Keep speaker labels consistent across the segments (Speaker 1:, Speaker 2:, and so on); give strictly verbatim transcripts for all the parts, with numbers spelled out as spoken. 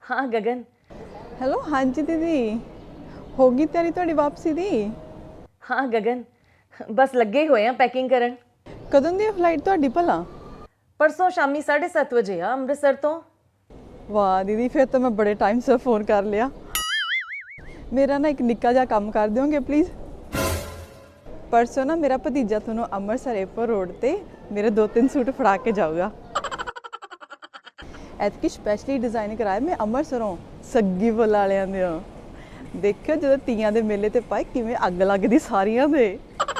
Speaker 1: हाँ गगन।
Speaker 2: हेलो हाँ जी दीदी, होगी तैयारी ਤੁਹਾਡੀ ਵਾਪਸੀ ਦੀ?
Speaker 1: हाँ गगन, बस लगे हुए हैं पैकिंग करन।
Speaker 2: ਕਦੋਂ ਦੀ ਫਲਾਈਟ ਤੁਹਾਡੀ ਭਲਾ?
Speaker 1: परसों शामी साढ़े सत्त बजे आ अमृतसर तो।
Speaker 2: ਵਾਹ ਦੀਦੀ, ਫਿਰ ਤਾਂ ਮੈਂ ਬੜੇ ਟਾਈਮ ਸੇ ਫੋਨ ਕਰ ਲਿਆ। ਮੇਰਾ ਨਾ ਇੱਕ ਨਿੱਕਾ ਜਿਹਾ ਕੰਮ ਕਰ ਦਿਓਗੇ ਪਲੀਜ਼? ਪਰਸੋਂ ਨਾ ਮੇਰਾ ਭਤੀਜਾ ਤੁਹਾਨੂੰ ਅੰਮ੍ਰਿਤਸਰ ਏਅਰਪੋਰਟ ਰੋਡ ਤੇ ਮੇਰੇ ਦੋ ਤਿੰਨ ਸੂਟ ਫੜਾ ਕੇ ਜਾਊਗਾ। ਐਤਕੀ ਸਪੈਸ਼ਲੀ ਡਿਜ਼ਾਈਨ ਕਰਾਇਆ ਮੈਂ ਅੰਮ੍ਰਿਤਸਰੋਂ, ਸੱਗੀ ਫੁੱਲ ਵਾਲਿਆਂ ਦੇ। ਦੇਖਿਓ ਜਦੋਂ ਤੀਆਂ ਦੇ ਮੇਲੇ ਤੇ ਪਾਏ ਕਿਵੇਂ ਅੱਗ ਲੱਗਦੀ ਸਾਰੀਆਂ ਦੇ।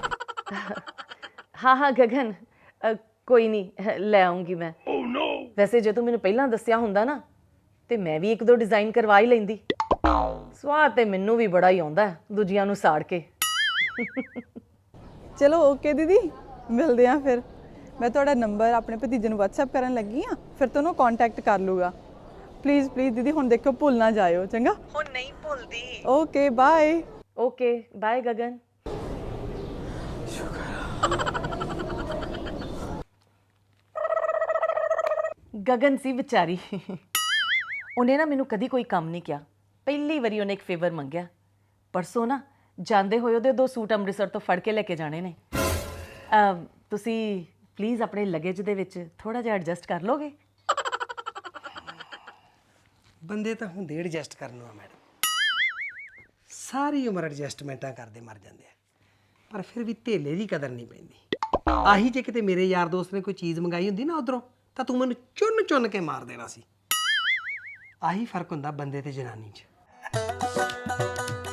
Speaker 1: हाँ हाँ गगन, अ, कोई नहीं ले आऊंगी मैं। oh, no. वैसे जो तू मैंने पहला दसिया हुंदा ना ते मैं भी एक दो डिजाइन करवा ही लैंदी। स्वाद ते मैनू भी बड़ा ही आउंदा है दूजियां नू साड़ के।
Speaker 2: ਚਲੋ ਓਕੇ ਦੀਦੀ, ਮਿਲਦੇ ਆ ਫਿਰ। ਮੈਂ ਤੁਹਾਡਾ ਨੰਬਰ ਆਪਣੇ ਭਤੀਜੇ ਨੂੰ WhatsApp ਕਰਨ ਲੱਗੀ ਆ, ਫਿਰ ਤੁਹਾਨੂੰ ਕੰਟੈਕਟ ਕਰ ਲੂਗਾ। ਪਲੀਜ਼ ਪਲੀਜ਼ ਦੀਦੀ, ਹੁਣ ਦੇਖੋ ਭੁੱਲ ਨਾ ਜਾਇਓ, ਚੰਗਾ?
Speaker 1: ਹੁਣ ਨਹੀਂ ਭੁੱਲਦੀ।
Speaker 2: Okay bye.
Speaker 1: Okay bye Gagan. Gagan सी बेचारी, उन्हें ना मैनू कदी कोई काम नहीं किया। पहली वारी उन्हें एक फेवर मंगया। परसों ना जाते हुए ਉਹਦੇ ਦੋ ਸੂਟ ਅੰਮ੍ਰਿਤਸਰ ਤੋਂ ਫੜ ਕੇ ਲੈ ਕੇ ਜਾਣੇ ਨੇ। ਤੁਸੀਂ ਪਲੀਜ਼ ਆਪਣੇ ਲਗੇਜ ਦੇ ਵਿੱਚ ਥੋੜਾ ਜਿਹਾ ਐਡਜਸਟ ਕਰ ਲੋਗੇ?
Speaker 3: ਬੰਦੇ ਤਾਂ ਹੁੰਦੇ ਐਡਜਸਟ ਕਰਨ ਨੂੰ ਆ ਮੈਡਮ, ਸਾਰੀ ਉਮਰ ਐਡਜਸਟਮੈਂਟਾਂ ਕਰਦੇ ਮਰ ਜਾਂਦੇ ਆ, ਪਰ ਫਿਰ ਵੀ ਧੇਲੇ ਦੀ ਕਦਰ ਨਹੀਂ ਪੈਂਦੀ। ਆਹੀ ਜੇ ਕਿਤੇ ਮੇਰੇ ਯਾਰ ਦੋਸਤ ਨੇ ਕੋਈ ਚੀਜ਼ ਮੰਗਾਈ ਹੁੰਦੀ ਨਾ ਉਧਰੋਂ, ਤਾਂ ਤੂੰ ਮੈਨੂੰ ਚੁੰਨ ਚੁੰਨ ਕੇ ਮਾਰ ਦੇਣਾ ਸੀ। ਆਹੀ ਫਰਕ ਹੁੰਦਾ ਬੰਦੇ ਤੇ ਜਨਾਨੀ 'ਚ।